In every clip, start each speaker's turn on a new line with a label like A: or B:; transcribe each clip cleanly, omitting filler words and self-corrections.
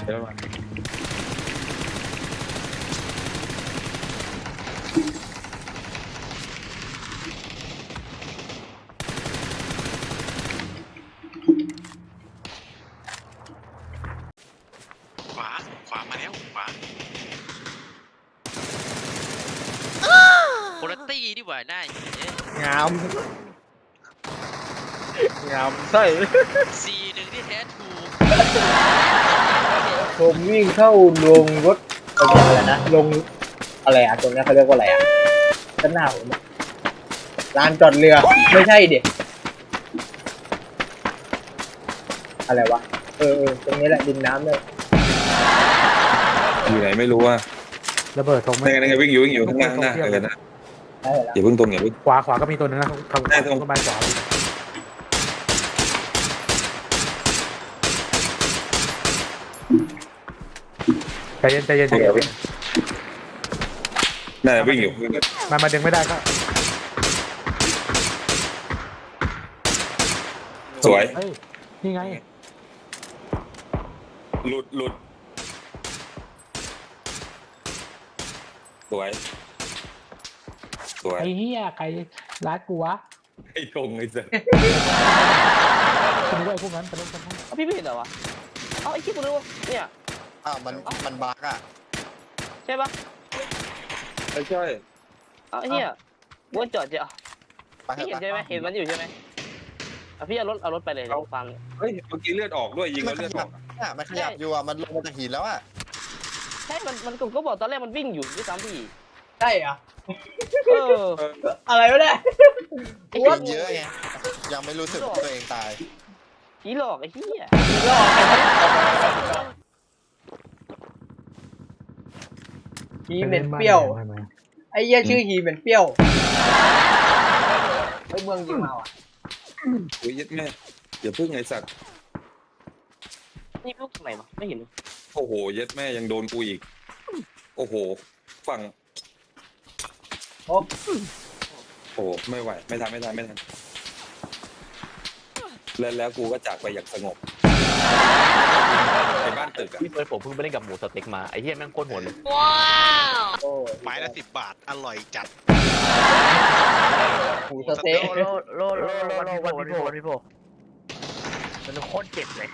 A: เดี๋ยวมา
B: ขวามาแล้วขวาโคตรตี้ดีกว่าได้
C: งามงามใช่
B: C1ที่แท้ถูก
C: ผมวิ่งเข้าลงรถอะไรนะลงอะไรอ่ะตรงนี้เขาเรียกว่าอะไรอ่ะด้านหน้าผมลานจอดเรือไม่ใช่เด็กอะไรวะตรงนี้แหละดินน้ำเลย
A: อยู่ไหนไม่รู้ว่า
D: ระเบิดตรง
A: นั่นไงวิ่งอยู่ข้างหน้านะนะ
C: ได้แล้ว
A: อย่าเพิ่งตรงอย่าเพิ่ง
D: ขวาก็มีตัวนึงนะทางต้นไม้ขวาใจเย็น
A: น่าวิ่งอยู่
D: มาดึงไม่ได้ก็
A: สวย
D: นี่ไง
A: หลุดสวย
D: ไอ้เหี้ยใครรัดกูวะ
A: ไอ้ทงไอ้สัส
D: คุณด้วยพวกนั้นไปเล่นกัน
E: พี่ไม่เห็นเหรอวะไอ้คิดกูรู้เนี่ย
F: มันบั๊กอ่ะ
E: ใช่ปะ
A: ไม่ใช่
E: ไอ้เหี้ยว่าจอดจะพี่เห็นใช่ไหมเห็นมันอยู่ใช่ไหมพี่เอารถไปเลยฟัง
A: เฮ้ยเมื่อกี้เลือดออกด้วยยิงแล้วเลือดออก
F: มันขยับอยู่อ่ะมันลงมาจากหินแล้วอ่ะ
E: ใช่มันก็บอกตอนแรกมันวิ่งอยู่ด้วยซ้ำพี่
C: ใช่อ่ะ
E: อ
C: ะไรวะเนี่ย
F: ว่าเยอะไงยังไม่รู้สึกตัวเองตาย
E: ผีหลอกไอ้เหี้ย
C: หลอกฮีเหม็นเปรี้ยวไอ้เหี้ยชื่อฮีเหม็นเปรี้ยวไอ้เมืองยิงมาอ่ะ
A: โอ้ยยัดแม่อย่าพึ่งไอ้สัตว์
E: นี่ลูกทำไมวะไม่เห็น
A: โอ้โหยัดแม่ยังโดนกูอีกโอ้โหฝั่งโอ้ไม่ไหวไม่ทันแล้วกูก็จากไปอย่างสงบในบ้านตึกอะ
B: พี่เฟิร์สผมเพิ่งไปเล่นกับหมูสเต็กมาไอ้เหี้ยแม่งโคตรโหดเลย
C: ว้าว
B: ไม้ละ10 บาทอร่อยจัด
C: หมูสเต็ก
E: โลวันพี่โพมันโคตรเจ็บเลย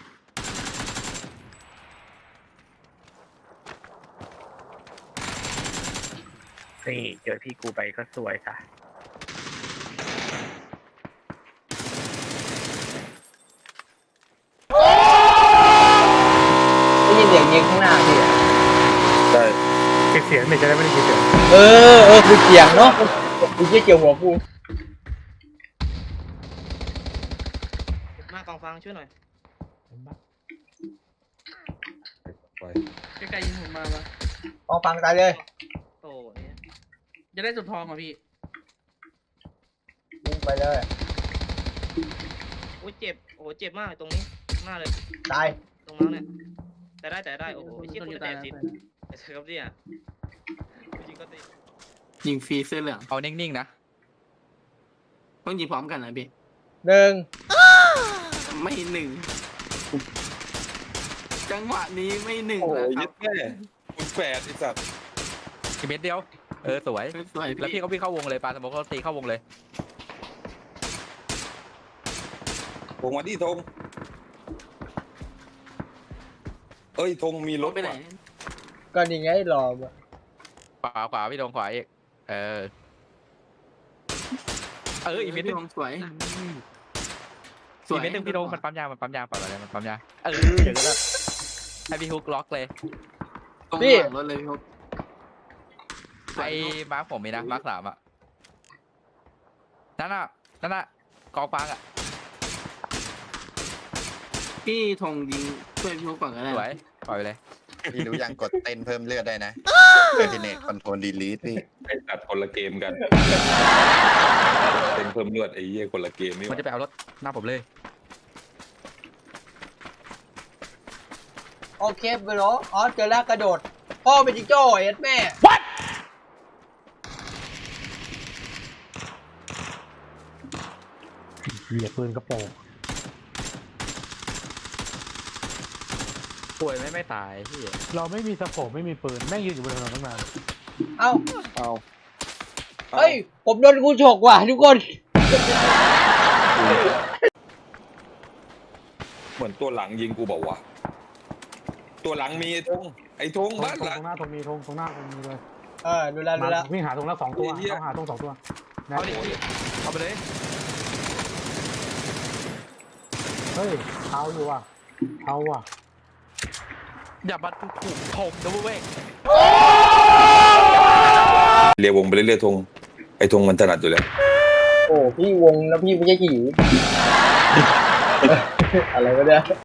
E: นี่เจอพี่กูไปก็สวยค่ะ
C: ได้ยินเสียงยิงข้างหน้าพี่
A: ใช่
D: เสียงไม่จะได้ไม่ได้ยินเสียง
C: คือเสียงเนาะกูเกี่ยวหัวกู
E: มากองฟังช่วยหน่อย
G: ใกล้ๆยิงผมมาปะ
C: กองฟังตายเลย
E: โอ้ย
G: จะได้สุดทองเหรอพี่
C: ยิงไปเลย
E: โอ้ยเจ็บโอ้เจ็บมากตรงนี้มากเลย
C: ตาย
E: ตรงนั้นเนี่ยแต่ได้โอ้โหชิบคนแต่สิแต่เธอครับเนี่ยยิงก็ตี
G: ยิงฟรีเสื้อเหลือง
B: เอานิ่งๆนะ
G: ต้องยิงพร้อมกันนะพี่
C: 1
G: ไม่1จังหวะนี้ไม่1
A: โอ้ย
G: นะ
A: ยัดแม่คุณแฝดไอ้สัตว์
B: อีกเม็ดเดียวสวยแล้วพี่ก็วิ่งเข้าวงเลยปาสมมติเขาตีเข้าวงเลย
A: วงมาดิธงเอ้ยธงมีรถ
G: ไปไหน
C: ก็นี่ไงรอ
B: ขวาพี่ธงขวาอีกอีเม็ดนึง
G: สวย
B: อีเม็ดนึงพี่ธงมันปั๊มยางปล่อยอะไรมันปั๊มยางอย่างนั้นให้พี่ฮุกล็อกเลย
G: พี่รถเลยพี่ฮุก
B: ไอ้มาร์คผมมีนะมาร์ค3อ่ะนั่นน่ะกองฟางอ่ะ
G: พี่ธงยิงช่วยพี่ฮุกก่อนก็ได้
B: สวยปล่อยไปเลย
F: พี่รู้ยังกดเต้นเพิ่มเลือดได้นะเออทีเน็ตคอนโทรลดีลีทพี่
A: ไอ้ตัดคนละเกมกันเป็นเพิ่มเลือดไอ้เหี้ยคนละเกมนี่
B: มันจะไปเอารถหน้าผมเลย
C: โอเคไปเหรอเจอแล้วกระโดดพ่อเป็นจิงโจ้ไอ้แม่
D: What เหยียบปืนกระโปรง
B: ป่วยไม่ตายพี่
D: เราไม่มีสโคปไม่มีปืนแม่งยืนอยู่บนถนนตั้งนาน
C: เอ้า
A: เอา
C: เฮ้ยผมโดนกูฉกว่ะทุกคน
A: เหมือนตัวหลังยิงกูบอกว่าวะตัวหลังมีไอ้ธงบ้าน
D: ต
A: หลัง
D: รงหน้าตรงมีตรงหน้าตรงมีเลย
C: ดูแลดูแล
D: วิ่งหาตรงละ2 ตัว
A: ไอ้เหี้ย
D: ต้องหาตรง2 ตัวนะ
B: เอาดิเอาไปเลย
D: เฮ้ยเอาอยู่ว่ะเอาว่ะ
B: อย่ามาถูกถมนะเว้ย
A: เรียววงไปเรื่อยๆธงไอ้ธงมันถนัดอยู่แล้ว
C: โอ้พี่วงแล้วพี่ไม่ใช่กี่อะไรวะเนี่ย